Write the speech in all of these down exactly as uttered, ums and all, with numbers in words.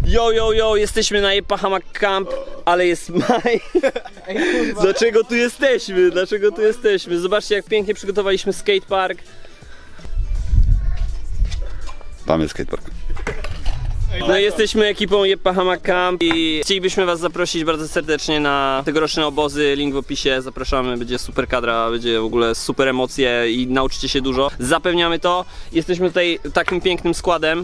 Yo, yo, yo, jesteśmy na Jepahama Camp, ale jest maj. Dlaczego tu jesteśmy? Dlaczego tu jesteśmy? Zobaczcie, jak pięknie przygotowaliśmy skatepark. Tam jest skatepark. No i jesteśmy ekipą Jepahama Camp i chcielibyśmy was zaprosić bardzo serdecznie na tegoroczne obozy, link w opisie, zapraszamy, będzie super kadra, będzie w ogóle super emocje i nauczycie się dużo. Zapewniamy to, jesteśmy tutaj takim pięknym składem.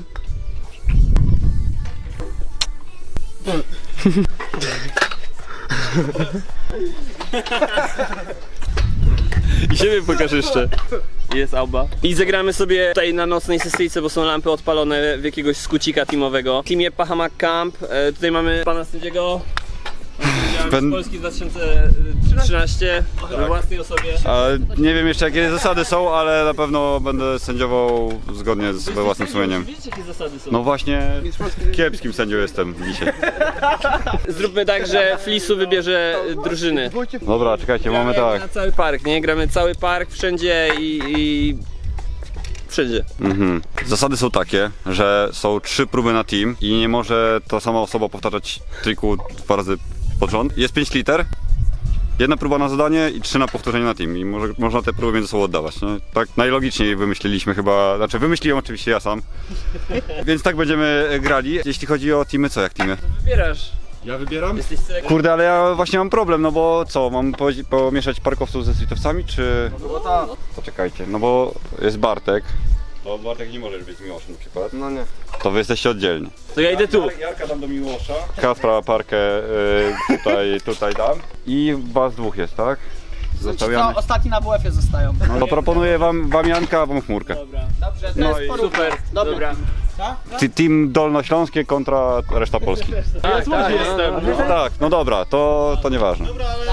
I siebie pokaż jeszcze. Jest Alba. I zagramy sobie tutaj na nocnej sesyjce, bo są lampy odpalone w jakiegoś skucika teamowego. Team Jepahama Camp. E, tutaj mamy pana sędziego. Pen... Z Polski dwa tysiące trzynaście we własnej osobie. A nie wiem jeszcze jakie zasady są, ale na pewno będę sędziował zgodnie z we własnym sumieniem. Wiecie, jakie zasady są? No właśnie kiepskim sędzią jestem dzisiaj. Zróbmy tak, że Flisu wybierze drużyny. Dobra, czekajcie, mamy tak. Na cały park, nie? Gramy cały park wszędzie i... i... wszędzie. Mhm. Zasady są takie, że są trzy próby na team i nie może ta sama osoba powtarzać triku dwa razy pod rząd. Jest pięć liter, jedna próba na zadanie i trzy na powtórzenie na team i może, można te próby między sobą oddawać, nie? Tak najlogiczniej wymyśliliśmy chyba, znaczy wymyśliłem oczywiście ja sam, więc tak będziemy grali. Jeśli chodzi o teamy, co jak teamy? Wybierasz. Ja wybieram? Jesteś celem. Kurde, ale ja właśnie mam problem, no bo co, mam po, pomieszać parkowców ze streetowcami, czy... No bo tak. Poczekajcie, no bo jest Bartek. To Bartek nie może być Miłoszem na przykład. No nie. To wy jesteście oddzielni. To ja idę tu. Jarka dam do Miłosza. Kacpra parkę y, tutaj, tutaj dam. I was dwóch jest, tak? Zostawiamy. Co, ostatni na W F-ie zostają. No to proponuję wam, wam Janka, a wam Chmurkę. Dobra. Dobrze, to No jest i porówno. Super. Dobra. Dobra. Ty- Team Dolnośląskie kontra reszta Polski. Tak, tak, jestem. No tak, no dobra, to, to nieważne.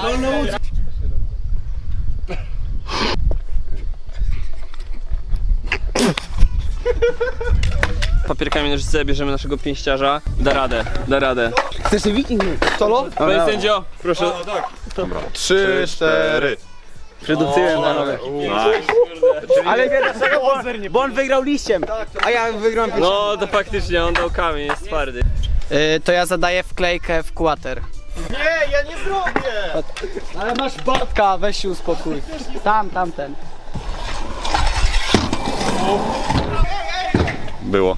Papierkami nożyce bierzemy naszego pięściarza. Da radę, da radę. Chcesz wiking? Solo? Panie sędzio, proszę. Trzy, cztery. Przedupcyłem panowie. Ale wie dlaczego? Bo, bo on wygrał liściem, a ja wygrałem pięścią. No to faktycznie, on dał kamień, jest twardy. Yy, to ja zadaję wklejkę w kłater. Nie, ja nie zrobię! Ale masz Bartka, weź się uspokój. Tam, tamten. Było.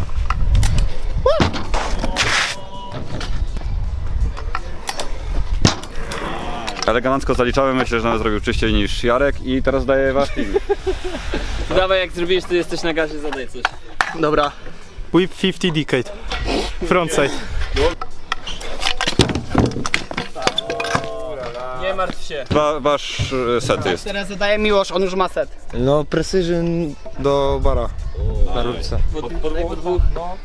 Elegancko zaliczałem, myślę, że nawet zrobił czyściej niż Jarek i teraz daję wasz team. Dawaj, jak zrobisz, to jesteś na gazie, zadaj coś. Dobra. Whip pięćdziesiąt decade. Frontside. Nie martw się. Wa wasz e, set jest. Teraz zadaje Miłosz, on już ma set. No, precision do bara na rurce. Po, po, po, po dwóch.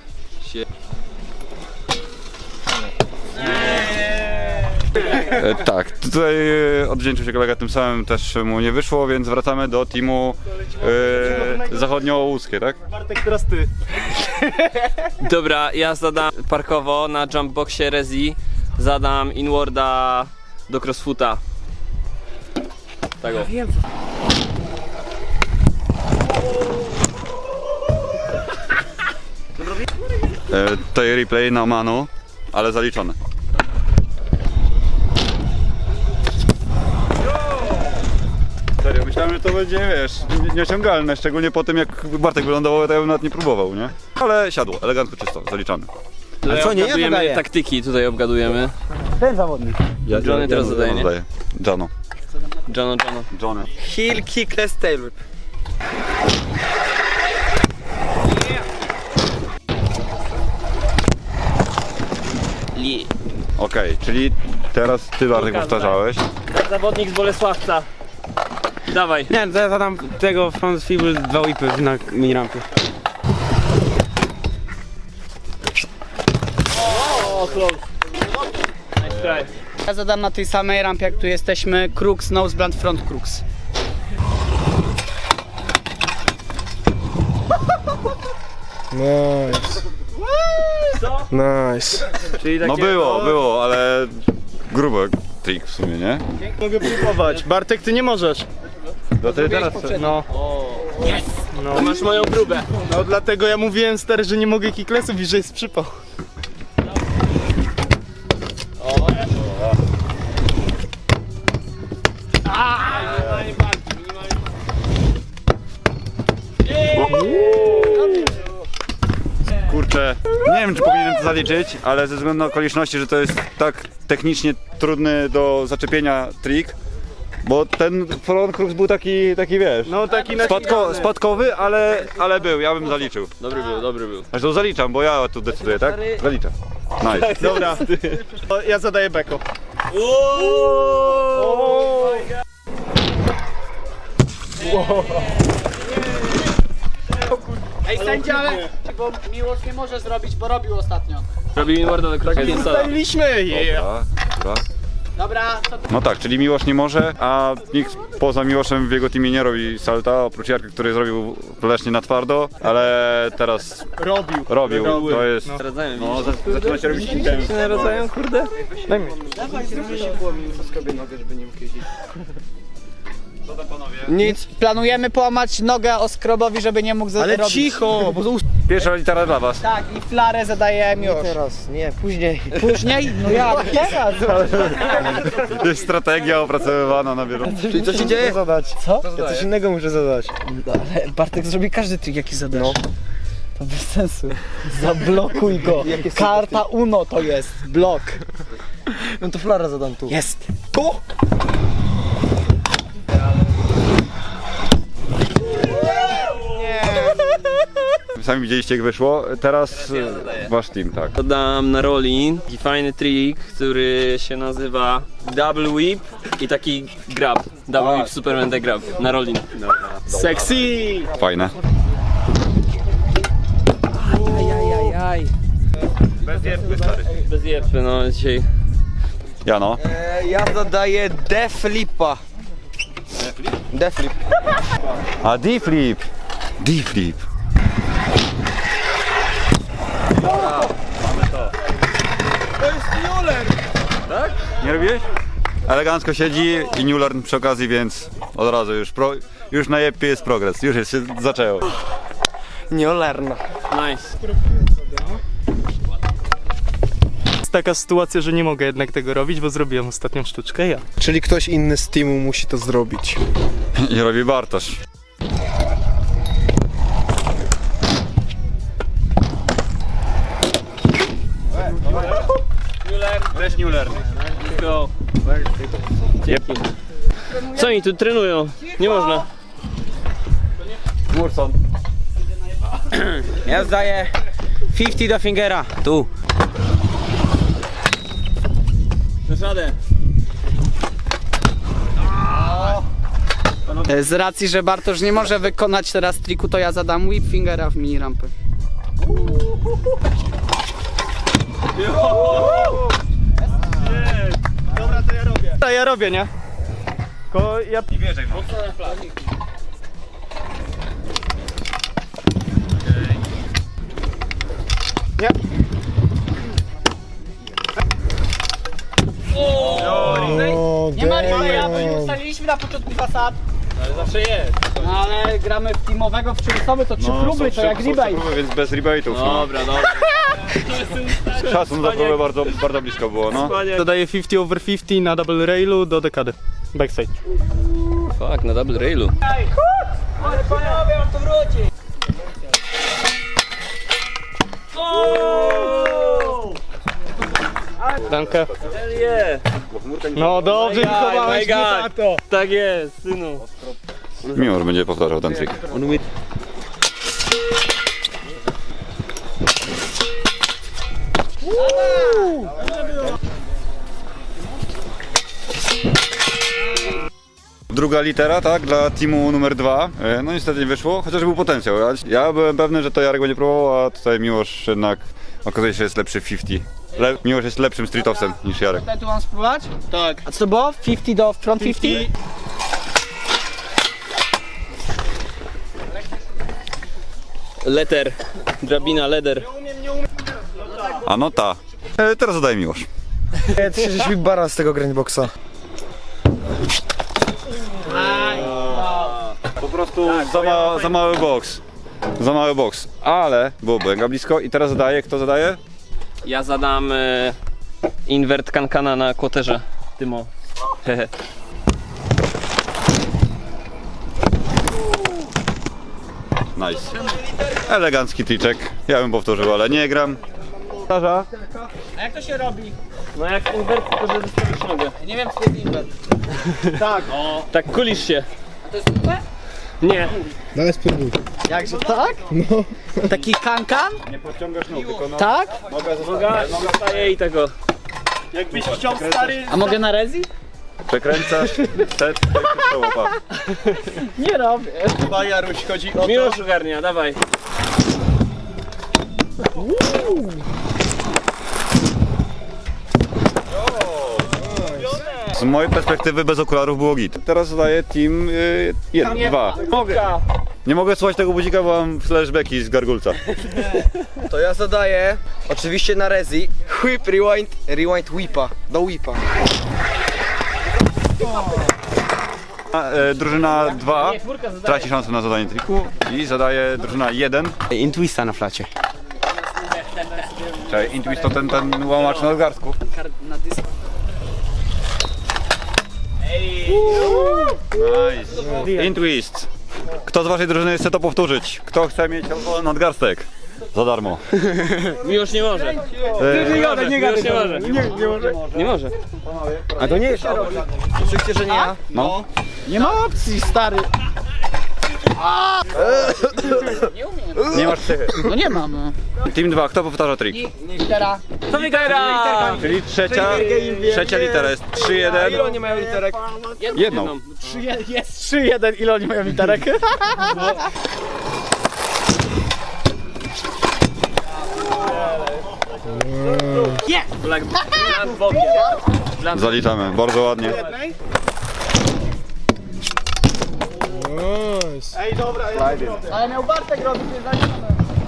E, tak, tutaj e, odwdzięczył się kolega, tym samym też mu nie wyszło, więc wracamy do teamu e, zachodniołuskie, tak? Bartek, teraz ty. Dobra, ja zadam parkowo na jumpboxie Rezi. Zadam inwarda do crossfoota. Tak o. E, tutaj replay na manu, ale zaliczone. Serio, myślałem, że to będzie, wiesz, nieosiągalne, szczególnie po tym jak Bartek wylądował, to ja bym nawet nie próbował, nie? Ale siadło, elegancko, czysto, zaliczamy. Ale co, nie ja obgadujemy zadaję? taktyki, tutaj obgadujemy. Ten zawodnik. Johnny teraz zadaje, nie? Zadaję. Jano. Jono, Jono. Johnny. Heel kickless tail whip. Li. Okej, czyli teraz ty, Bartek, powtarzałeś. Zawodnik z Bolesławca. Dawaj. Nie, to ja zadam tego front fibul dwa whipy na minirampie. O, close. Nice try. Ja zadam na tej samej rampie, jak tu jesteśmy, crux, nose blunt, front crux. Nice. Co? Nice. Czyli takie, No było, było, ale grubo trik w sumie, nie? Mogę próbować. Bartek, ty nie możesz. No ty teraz, no. To masz moją próbę. No dlatego ja mówiłem stary, że nie mogę kicklessów i że jest przypał. kurczę, nie wiem czy powinienem to zaliczyć, ale ze względu na okoliczności, że to jest tak technicznie trudny do zaczepienia trik, bo ten front crux był taki, taki wiesz, No taki spadko, spadkowy, ale, ale był, ja bym zaliczył. Dobry był, dobry był. Zresztą zaliczam, bo ja tu decyduję, tak? Zaliczam. Nice. Dobra. O, ja zadaję beko. Ej, sędzia, ale... Bo Miłosz nie może zrobić, bo robił ostatnio. Robi mi mordę do kroki. Staliśmy! Yeah. Dobra, dobra. Dobra, to No tak, czyli Miłosz nie może, a nikt poza Miłoszem w jego teamie nie robi salta, oprócz Jarka, który zrobił leśnie na twardo, ale teraz Robił. robił, to jest... Radzają mi. No, za- zaczyna się robić intens. się narodzają, kurde? nic. Planujemy połamać nogę Oskrobowi, żeby nie mógł Ale robić. cicho, bo to Pierwsza litera dla was. Tak, i flarę zadaje Miłosz. Teraz, nie, później. Później? No jak? Teraz. To jest strategia opracowywana na bieżąco. Czyli co się dzieje? Zadać. Co? Ja coś innego muszę zadać. Ale Bartek zrobi każdy trik, jaki zadasz. No. To bez sensu. Zablokuj go. Karta Uno to jest. Blok. No to flara zadam tu. Jest. Tu? Sami widzieliście jak wyszło, teraz e, wasz team, tak. Dodam na roli taki fajny trik, który się nazywa Double Whip i taki grab. Double Whip Superman the Grab na rolin. sexy! Fajne. Ajajajaj. Bez jebły, stary. Bez jepy, no dzisiaj. Jano. E, ja zadaję deflipa. Deflip? A D-flip. D-flip. Tak? Nie robiłeś? Elegancko siedzi i Newlearn przy okazji, więc od razu już pro, już na jepie jest progres, już jest, się zaczęło. Nieolerna. Nice. Jest taka sytuacja, że nie mogę jednak tego robić, bo zrobiłem ostatnią sztuczkę ja. Czyli ktoś inny z teamu musi to zrobić. I robi Bartosz. Też Newlearn. Go. Dzięki. Co oni tu trenują? Nie można. Murson. Ja zdaję pięćdziesiąt do fingera. Tu. Dasz radę. Z racji, że Bartosz nie może wykonać teraz triku, to ja zadam whip fingera w mini rampy. Dobra, to ja robię. To ja robię, nie? Ko ja... Nie wierzę, no. Nie. O, Nie ma replaya, bo nie ustaliliśmy na początku zasad. Ale zawsze jest. No ale gramy w teamowego w trzy osoby, to trzy próby, to jak rebate. Próby, więc bez rebate'ów. No. Dobra, dobra. Szacun za próbę bardzo, bardzo blisko było, no. Dodaję pięćdziesiąt over pięćdziesiąt na double railu do dekady. Backside. Fuck, na double railu. Ale panowie, on to wróci. Dankę. Hell yeah. No dobrze, wychowałeś mnie, my God. tato. Tak jest, synu. Mimo, że będzie powtarzał ten trik. Druga litera, tak, dla teamu numer dwa. E, No niestety nie wyszło, chociaż był potencjał. Ja, ja byłem pewny, że to Jarek będzie próbował, a tutaj Miłosz jednak okazuje się, że jest lepszy w pięćdziesiąt. Le Miłosz jest lepszym streetowcem niż Jarek. Tutaj tu mam spróbować? Tak. A co to było? pięćdziesiąt do front pięćdziesiąt? Letter. Drabina, leder. A no ta. E, teraz zadaje Miłosz. E, Ty żeś mi bara z tego grindboxa. Po prostu za, ma za mały boks. Za mały boks. Ale było mega blisko i teraz zadaje, kto zadaje? Ja zadam e, invert kankana na kłoterze. Tymo. Hehe. Nice. Elegancki triczek. Ja bym powtórzył, ale nie gram. A jak to się robi? No jak invert, tylko że wystawisz nogę. Nie wiem, co jest invert. Tak. No. Tak kulisz się. To jest super? Nie. Daj spróbuj. Jakże tak? No. Taki kankan? Nie podciągasz nóg, tylko no. Tak? Noga zostaje i tego. Jakbyś chciał stary... A mogę na rezi? Przekręcasz, set, przełopa. Nie robię. Chyba Jaruś chodzi o Miłosz ogarnia, dawaj. Z mojej perspektywy bez okularów było git. Teraz zadaję team y, jeden, dwa. Mogę. Nie mogę słuchać tego budzika, bo mam flashbacki z gargulca. To ja zadaję, oczywiście na rezi, whip, rewind, rewind whipa, do whipa. A, e, drużyna dwa traci szansę na zadanie triku i zadaje drużyna jeden. In twista na flacie. Czyli Intwist to ten, ten łamacz nadgarstków. Nice. Intwist. Kto z waszej drużyny chce to powtórzyć? Kto chce mieć nadgarstek? Za darmo. Miłosz nie może. E, Nie może, nie Miłosz nie może. Nie, nie może. Nie może. A to nie jest Oczywiście, że nie ja. no. Nie ma opcji, stary. Nie masz psychy. No nie mam. No. Team dwa, kto powtarza trik? Litera. Co litera? Czyli trzecia, trzecia litera jest trzy jeden. Ile oni mają literek? Jedną. Jest trzy jeden, ile oni mają literek? Black Bland Bogie. Zaliczamy, bardzo ładnie. Nice. Ej, dobra, Ale miał Bartek robić, nie zaliczone.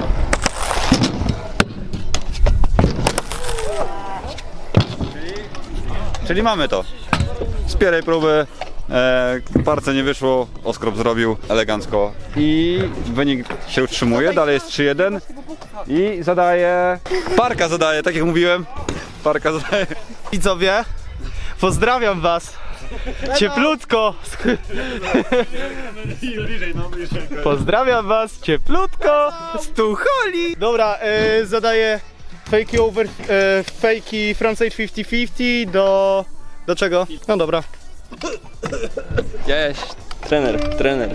Czyli mamy to. Z pierwszej próby e, parce nie wyszło, Oskrop zrobił elegancko i wynik się utrzymuje, dalej jest trzy jeden i zadaje... Parka zadaje, tak jak mówiłem. Parka zadaje. widzowie, pozdrawiam was. Cieplutko. Pozdrawiam was cieplutko z Tucholi. Dobra, e, zadaję fakey over, e, fakey frontside pięćdziesiąt pięćdziesiąt do... Do czego? No dobra. Cześć. Trener, trener.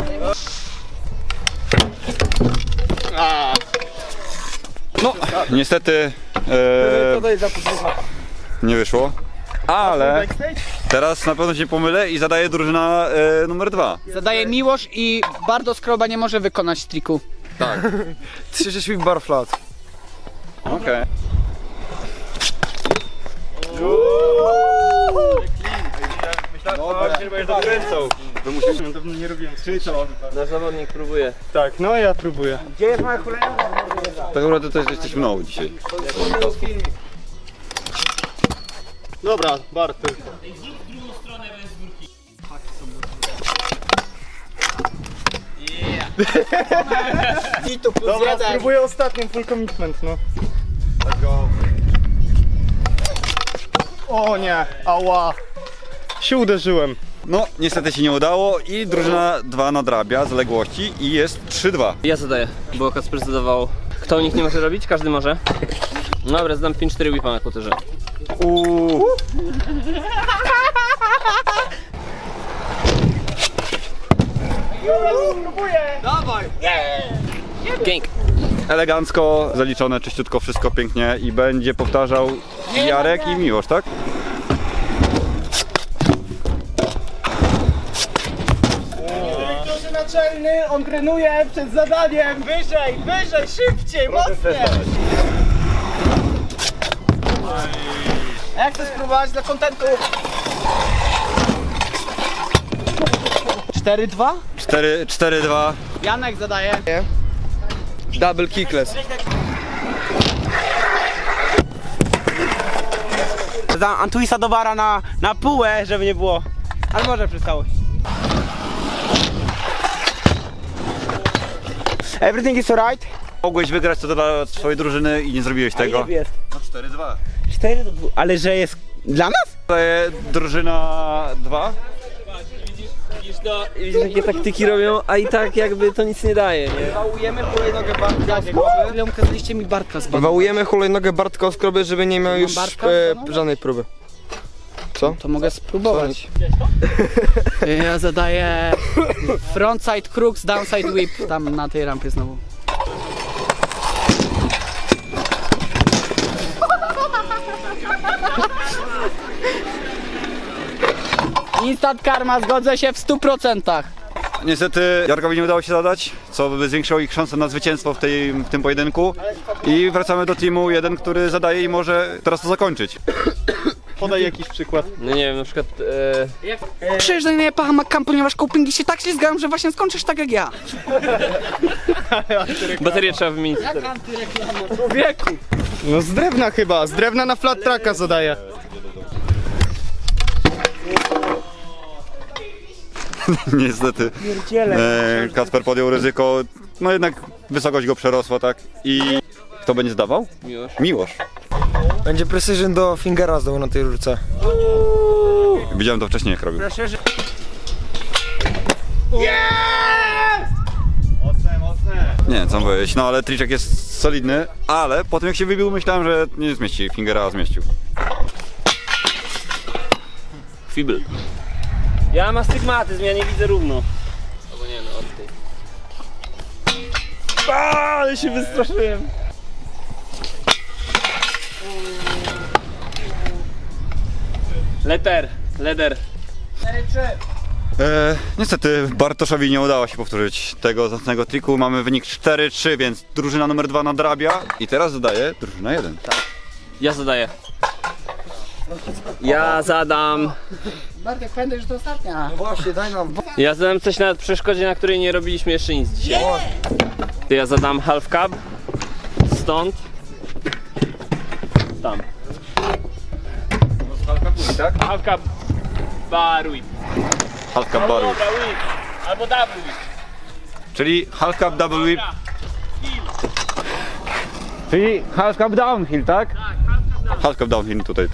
No, niestety e, nie wyszło, ale teraz na pewno się pomylę i zadaję drużyna e, numer dwa. Zadaje Miłosz i bardzo skroba nie może wykonać triku. trzy sześć whip bar flat. Okej. Nasz zawodnik próbuje. Tak, no ja próbuję. Tak naprawdę to jesteś mną dzisiaj. Dobra, Bartek. Dobra, spróbuję ostatnią full commitment, no. O nie, ała. Się uderzyłem. No, niestety się nie udało i drużyna dwa nadrabia zaległości i jest trzy dwa. Ja zadaję, bo Kacper zadawał. Kto u nich nie może robić? Każdy może. Dobra, zdam pięć cztery whipa na kłoterze. Uuu. Pięk. Elegancko, zaliczone, czyściutko, wszystko pięknie i będzie powtarzał Jarek i Miłosz, tak? Dyrektorze naczelny, on trenuje przed zadaniem. Wyżej, wyżej, szybciej, mocniej. A jak chcesz spróbować dla kontentu? cztery dwa? cztery dwa. Janek zadaje. Double kickless. Dam Antwista do bara na, na półę, żeby nie było. Ale może przez całość. Everything is alright. Mogłeś wygrać to dla swojej drużyny i nie zrobiłeś tego. Jest. No cztery dwa. cztery do dwóch. Ale że jest dla nas? Drużyna dwa Widzisz to, widzisz jakie taktyki robią, a i tak jakby to nic nie daje, nie? Wałujemy hulajnogę Bartka z Ile ukazaliście mi Bartka z Bartka? Wałujemy hulajnogę Bartka z kroby, żeby nie miał już Bartka? e, żadnej próby. Co? To mogę spróbować. Ja zadaję frontside crooks, downside whip tam na tej rampie znowu. Instant karma, zgodzę się w stu procentach. Niestety Jarkowi nie udało się zadać, co by zwiększyło ich szanse na zwycięstwo w, tej, w tym pojedynku. I wracamy do teamu jeden, który zadaje i może teraz to zakończyć. Podaj jakiś przykład. No nie wiem, na przykład... E... Przyjeżdżaj na Pahamakam, ponieważ copingi się tak ślizgają, że właśnie skończysz tak jak ja. Baterię trzeba wymienić. Człowieku! No z drewna chyba, z drewna na flat tracka zadaję. Niestety e, Kacper podjął ryzyko, no jednak wysokość go przerosła, tak? I kto będzie zdawał? Miłosz. Miłosz. Będzie precision do fingera znowu na tej rurce. Widziałem to wcześniej jak robił. Nie wiem co mam powiedzieć, no ale triczek jest solidny, ale po tym jak się wybił myślałem, że nie zmieści fingera, a zmieścił. Fibl. Ja mam astygmatyzm, ja nie widzę równo. Albo nie no, od tej. Aaaa, ale się wystraszyłem. Leter, leder. E, niestety Bartoszowi nie udało się powtórzyć tego zacnego triku. Mamy wynik cztery trzy, więc drużyna numer dwa nadrabia. I teraz zadaje drużyna jeden. Ja zadaję. Ja zadam. Bartek, pamiętaj, że to ostatnia. Właśnie, daj nam. Ja zadam coś na przeszkodzie, na której nie robiliśmy jeszcze nic dzisiaj. To ja zadam half cab. Stąd. Tam. Tak? Half cab. Bar whip. Half cup baru. Dobra, whip. Albo double whip. Czyli half cup double whip. Czyli half cup downhill, tak? Tak, half cup downhill tutaj.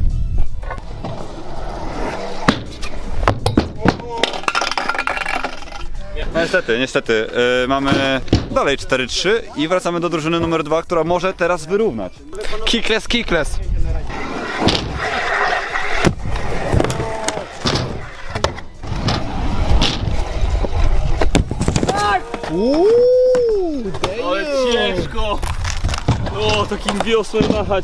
Niestety, niestety, yy, mamy dalej cztery trzy i wracamy do drużyny numer dwa, która może teraz wyrównać. Kickless, kickless. Ale ciężko. O, takim wiosłem machać.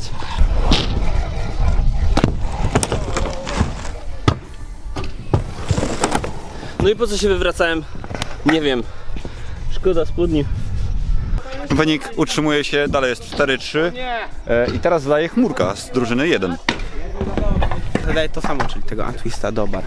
No i po co się wywracałem? Nie wiem. Szkoda spodni. Wynik utrzymuje się, dalej jest cztery trzy e, i teraz zdaje chmurka z drużyny jeden. Zadaję to samo, czyli tego Antwista do bar.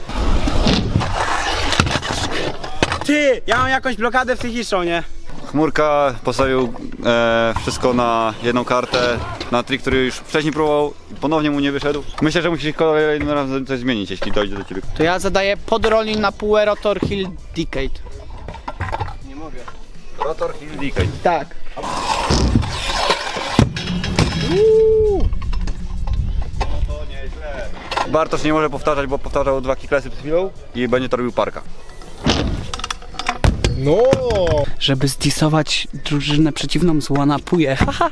Ty! Ja mam jakąś blokadę psychiczną, nie? Chmurka postawił e, wszystko na jedną kartę, na trik, który już wcześniej próbował i ponownie mu nie wyszedł. Myślę, że musisz kolejnym razem coś zmienić, jeśli dojdzie do ciebie. To ja zadaję podrolling na półę rotor hill decade. Rotor Hill Decay. Tak. Bartosz nie może powtarzać, bo powtarzał dwa kicklessy przed chwilą i będzie to robił parka. No! Żeby zdisować drużynę przeciwną z Wanapuje. Haha.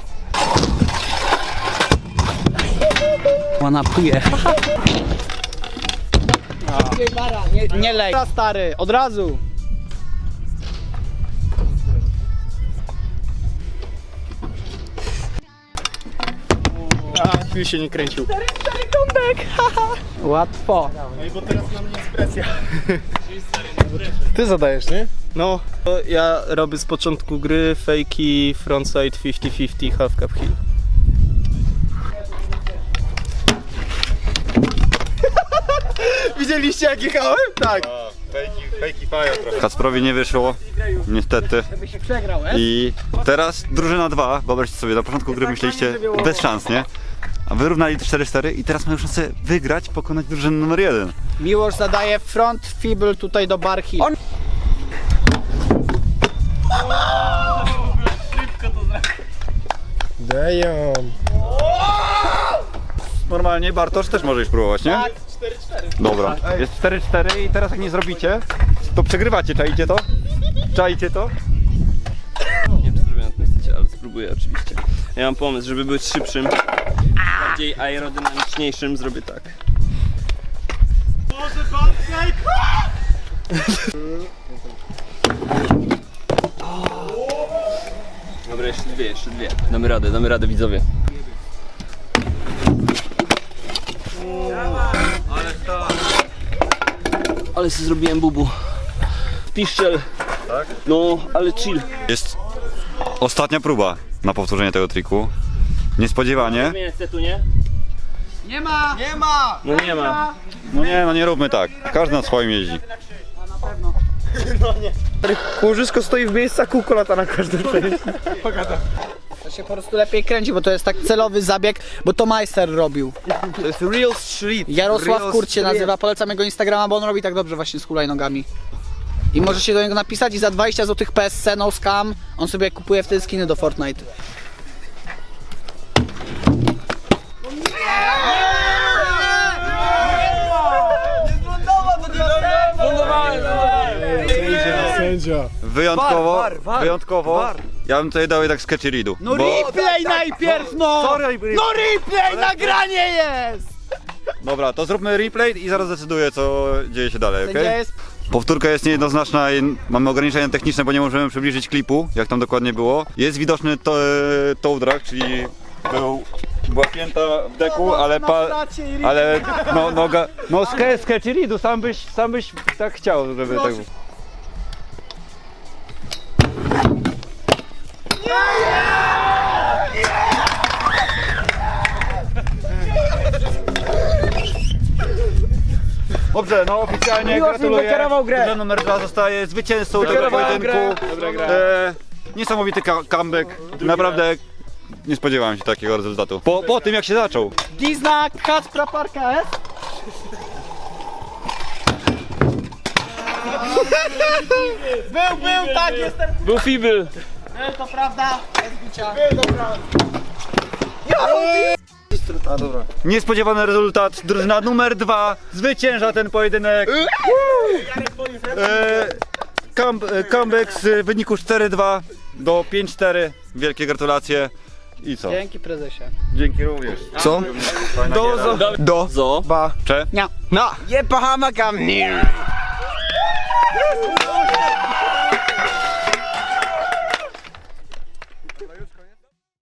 Wanapuje. Haha. Nie, nie lej. Dobra, stary, od razu. A, chwil się nie kręcił. Łatwo. No i bo teraz na mnie jest presja. Ty zadajesz, nie? No, to ja robię z początku gry fejki frontside pięćdziesiąt pięćdziesiąt half cup hill. Widzieliście jak jechałem? Tak. Kacprowi nie wyszło, niestety. I teraz drużyna dwa, wyobraźcie sobie, na początku gry myśleliście bez szans, nie? A wyrównali cztery cztery i teraz mają szansę wygrać, pokonać drużynę numer jeden. Miłosz zadaje front fibl tutaj do bar hill. Damn. normalnie, Bartosz też możesz próbować, nie? Tak, cztery cztery. Dobra, jest cztery cztery i teraz jak nie zrobicie, to przegrywacie, czaicie to? Czaicie to? Nie wiem, czy zrobię na tym secie, ale spróbuję oczywiście. Ja mam pomysł, żeby być szybszym, bardziej aerodynamiczniejszym, zrobię tak. Dobra, jeszcze dwie, jeszcze dwie. Damy radę, damy radę, widzowie. Ale sobie zrobiłem bubu. Piszczel. Tak? No, ale chill. Jest ostatnia próba na powtórzenie tego triku. Niespodziewanie. Zmienię setu, nie? Nie ma! Nie ma! No nie ma. No nie, no nie róbmy tak. Każdy na swoim jeździ. Łożysko stoi w miejscu, kółko lata na każdym przejściu. To się po prostu lepiej kręci, bo to jest tak celowy zabieg, bo to majster robił. To jest real street. Jarosław Real Kurt się street. nazywa, polecam jego Instagrama, bo on robi tak dobrze właśnie z hulajnogami. I możecie do niego napisać i za dwadzieścia złotych P S C, no scam, on sobie kupuje wtedy skiny do Fortnite. Sędzia. Wyjątkowo, War, war, war, wyjątkowo, war. ja bym tutaj dał jednak sketchy readu. No replay najpierw, no! No replay, nagranie jest! Dobra, to zróbmy replay i zaraz zdecyduję, co dzieje się dalej, Sędzia okej? jest... Powtórka jest niejednoznaczna i mamy ograniczenia techniczne, bo nie możemy przybliżyć klipu, jak tam dokładnie było. Jest widoczny to, toe drag, czyli był, była pięta w deku, ale pa, ale no noga, no ske, sketchy readu, sam byś, sam byś tak chciał, żeby tak było. Dobrze, no oficjalnie gratuluję. wykierował grę. Drużyna numer dwa zostaje zwycięzcą tego Wykierowałem pojedynku. grę. E, niesamowity ka- comeback. Naprawdę nie spodziewałem się takiego rezultatu. Po, po tym jak się zaczął. Dizna Kacpra Parka S. Był, był, tak, jestem. Był Fibel. Był, to prawda, bez bicia. A dobra. Niespodziewany rezultat. Drużyna numer dwa zwycięża ten pojedynek. E, come, e, comeback z wyniku cztery dwa do pięć cztery. Wielkie gratulacje. I co? Dzięki prezesie. Dzięki również. Co? Fajna Do, giera. zo, do, Zo. ba. Cze? Nie. Na. Je Bahamakam.